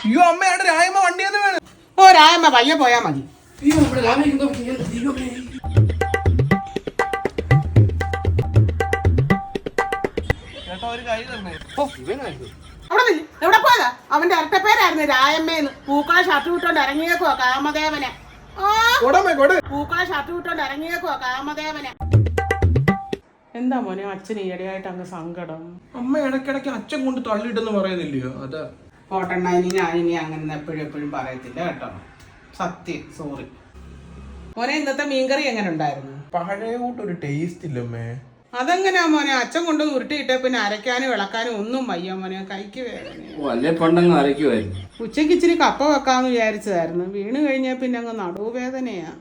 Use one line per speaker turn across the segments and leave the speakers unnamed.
അയ്യോ അമ്മയുടെ രായമ്മ വണ്ടിയെന്ന് വേണം.
ഓ രായമ്മ പയ്യെ പോയാ മതി.
ചേട്ടാ ഒരു കൈ തന്നെ. ഓ ഇവനായിരുന്നു.
അവിടെ എവിടെ പോയതാ? അവന്റെ ഇരട്ടപ്പേരായിരുന്നു രായമ്മേന്ന്. പൂക്കളെ ഷർട്ട് വിട്ടോണ്ട് ഇറങ്ങിയേക്കുവാ കാമദേവനെ. പൂക്കളെ ഷർട്ട് വിട്ടോണ്ട് ഇറങ്ങിയേക്കുവാ കാമദേവനെ. എന്താ മോനെ അച്ഛന് ഈയിടെയായിട്ട് അങ്ങ് സങ്കടം?
അമ്മ ഇടയ്ക്കിടയ്ക്ക് അച്ഛൻ കൊണ്ട് തള്ളിയിട്ടെന്ന് പറയുന്നില്ലയോ? അതാ
പോട്ടെണ്ണ, ഇനി ഞാനിനി അങ്ങനെ എപ്പോഴും പറയത്തില്ല കേട്ടോ. സത്യം, സോറി മോനെ. ഇന്നത്തെ മീൻകറി എങ്ങനെ ഉണ്ടായിരുന്നു?
പഴയ കൂട്ടൊരു ടേസ്റ്റ് ഇല്ലമ്മേ.
അതെങ്ങനെയാ മോനെ? അച്ഛൻ കൊണ്ട് ഉരുട്ടിയിട്ടേ പിന്നെ അരയ്ക്കാനും ഇളക്കാനും ഒന്നും വയ്യ മോനെ. കൈക്ക് വേദന. ഉച്ചക്ക് ഇച്ചിരി കപ്പ വെക്കാന്ന് വിചാരിച്ചതായിരുന്നു. വീണ് കഴിഞ്ഞാൽ പിന്നെ അങ്ങ് നടുവേദനയാ.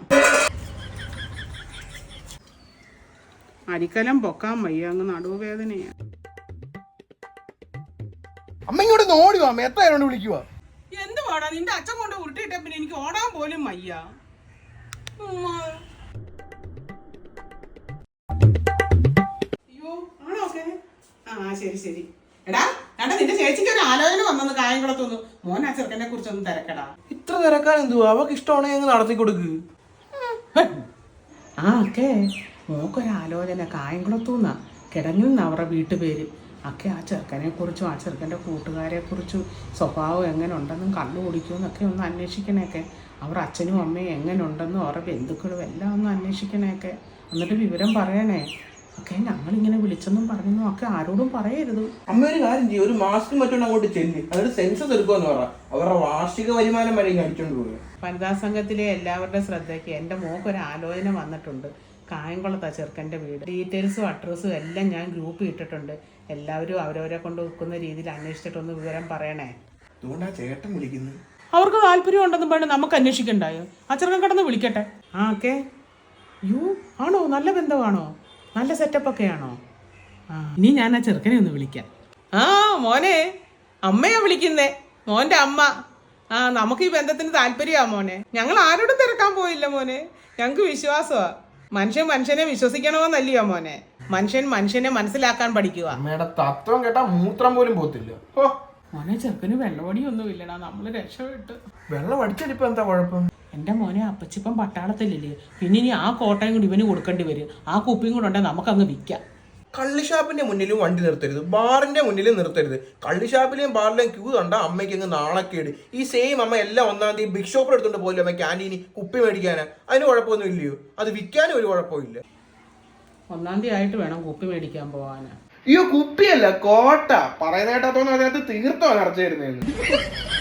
അരിക്കലം പൊക്കാൻ വയ്യ, അങ്ങ് നടുവേദനയാ.
അമ്മ ഇങ്ങോട്ട് ഓടി വാ, എത്ര ആരോട് വിളിക്കുക?
എന്ത് പാടാ നിന്റെ അച്ഛൻ കൊണ്ട് ഉരുട്ടിയിട്ടേ പിന്നെ എനിക്ക് ഓടാൻ പോലും വയ്യ. അയ്യോ ആണോ? ഓക്കെ, ആ ശരി ശരി. എടാ നിന്റെ ചേച്ചിക്ക് ഒരു ആലോചന വന്നെന്ന് കായംകുളത്തൊന്ന്. മോൻ ആ ചെറുക്കനെ കുറിച്ചൊന്നും തിരക്കടാ.
ഇത്ര തിരക്കാൻ എന്തുവാ? അവക്ക് ഇഷ്ടമാണെങ്കിൽ നടത്തി കൊടുക്ക്.
ആ ഓക്കെ, മോക്കൊരാലോചന കായംകുളത്തുനിന്നാ. കിടങ്ങുന്ന അവരുടെ വീട്ടുപേര് ഒക്കെ. ആ ചെറുക്കനെ കുറിച്ചും ആ ചെറുക്കൻ്റെ കൂട്ടുകാരെ കുറിച്ചും സ്വഭാവം എങ്ങനെ ഉണ്ടെന്നും കണ്ണു കുടിക്കുമെന്നൊക്കെ ഒന്ന് അന്വേഷിക്കണേക്കെ. അവർ അച്ഛനും അമ്മയും എങ്ങനെ ഉണ്ടെന്നും അവരുടെ ബന്ധുക്കളും എല്ലാം ഒന്ന് അന്വേഷിക്കണേക്കെ. എന്നിട്ട് വിവരം പറയണേ ഒക്കെ. ഞങ്ങളിങ്ങനെ വിളിച്ചെന്നും പറഞ്ഞെന്നും ഒക്കെ ആരോടും പറയരുത്.
അമ്മ ഒരു കാര്യം ചെയ്യും, ഒരു മാസ്ക് മറ്റൊന്ന് അങ്ങോട്ട് ചെല്ല്, അതൊരു സെൻസസ് എടുക്കുമെന്ന് പറ. അവരുടെ വാർഷിക വരുമാനം വരെ അടിച്ചോണ്ട് പോകുക.
വനിതാ സംഘത്തിലെ എല്ലാവരുടെ ശ്രദ്ധയ്ക്ക് എൻ്റെ മോക്കൊരു ആലോചന വന്നിട്ടുണ്ട്. കായംകുളത്താ ചെറുക്കൻ്റെ വീട്. ഡീറ്റെയിൽസും അഡ്രസ്സും എല്ലാം ഞാൻ ഗ്രൂപ്പിൽ ഇട്ടിട്ടുണ്ട്. എല്ലാവരും അവരവരെ കൊണ്ട് വെക്കുന്ന രീതിയിൽ അന്വേഷിച്ചിട്ടൊന്ന് വിവരം പറയണേ.
അതുകൊണ്ടാ ചേട്ടൻ വിളിക്കുന്നത്.
അവർക്ക് താല്പര്യം ഉണ്ടെന്ന് പറഞ്ഞ് നമുക്ക് അന്വേഷിക്കണ്ടായോ? ആ ചെറുക്കൻ കിടന്ന് വിളിക്കട്ടെ. ആ ഓക്കെ. യു ആണോ? നല്ല ബന്ധമാണോ? നല്ല സെറ്റപ്പൊക്കെ ആണോ? ആ ഇനി ഞാൻ ആ ചെറുക്കനെ ഒന്ന് വിളിക്കാം. ആ മോനെ, അമ്മയാ വിളിക്കുന്നേ, മോൻ്റെ അമ്മ. ആ നമുക്ക് ഈ ബന്ധത്തിന് താല്പര്യമാ മോനെ. ഞങ്ങൾ ആരോടും തിരക്കാൻ പോയില്ല മോനെ. ഞങ്ങൾക്ക് വിശ്വാസമാ. മനുഷ്യനെ വിശ്വസിക്കണമെന്നല്ലയോ മോനെ. മനുഷ്യനെ മനസ്സിലാക്കാൻ പഠിക്കുക.
അമ്മയുടെ തത്വം കേട്ടാ മൂത്രം പോലും പോത്തില്ല.
മോനെ ചെറുക്കന് വെള്ളമടിയൊന്നും ഇല്ലടാ, നമ്മള് രക്ഷപ്പെട്ട്.
വെള്ളം അടിച്ചടിപ്പോ എന്താ കുഴപ്പം?
എൻ്റെ മോനെ അപ്പച്ചിപ്പം പട്ടാളത്തിലില്ലേ, പിന്നെ ഇനി ആ കോട്ടയും കൂടി ഇവന് കൊടുക്കേണ്ടി വരും. ആ കുപ്പിയും കൂടെ ഉണ്ടെങ്കിൽ നമുക്കങ്ങ് വിൽക്കാം.
കള്ളിഷാപ്പിന്റെ മുന്നിലും വണ്ടി നിർത്തരുത്, ബാറിന്റെ മുന്നിലും നിർത്തരുത്. കള്ളിഷാപ്പിലെയും ബാറിലെയും ക്യൂ കണ്ട അമ്മയ്ക്ക് അങ്ങ് നാണക്കേട്. ഈ സെയിം അമ്മ എല്ലാം 1-ാം തീയതി ബിഗ് ഷോപ്പിൽ എടുത്തോണ്ട് പോലും അമ്മ ക്യാൻറ്റീനി കുപ്പി മേടിക്കാനാ. അതിന് കുഴപ്പമൊന്നും ഇല്ലയോ? അത് വിൽക്കാനും ഒരു കുഴപ്പമില്ല.
1-ാം തീയതി ആയിട്ട് വേണം കുപ്പി മേടിക്കാൻ പോവാനാ.
അയ്യോ കുപ്പിയല്ല, കോട്ട. പറയുന്ന കേട്ടാത്തോന്ന് അതിനകത്ത് തീർത്തോ നിറച്ചു തരുന്നതെന്ന്.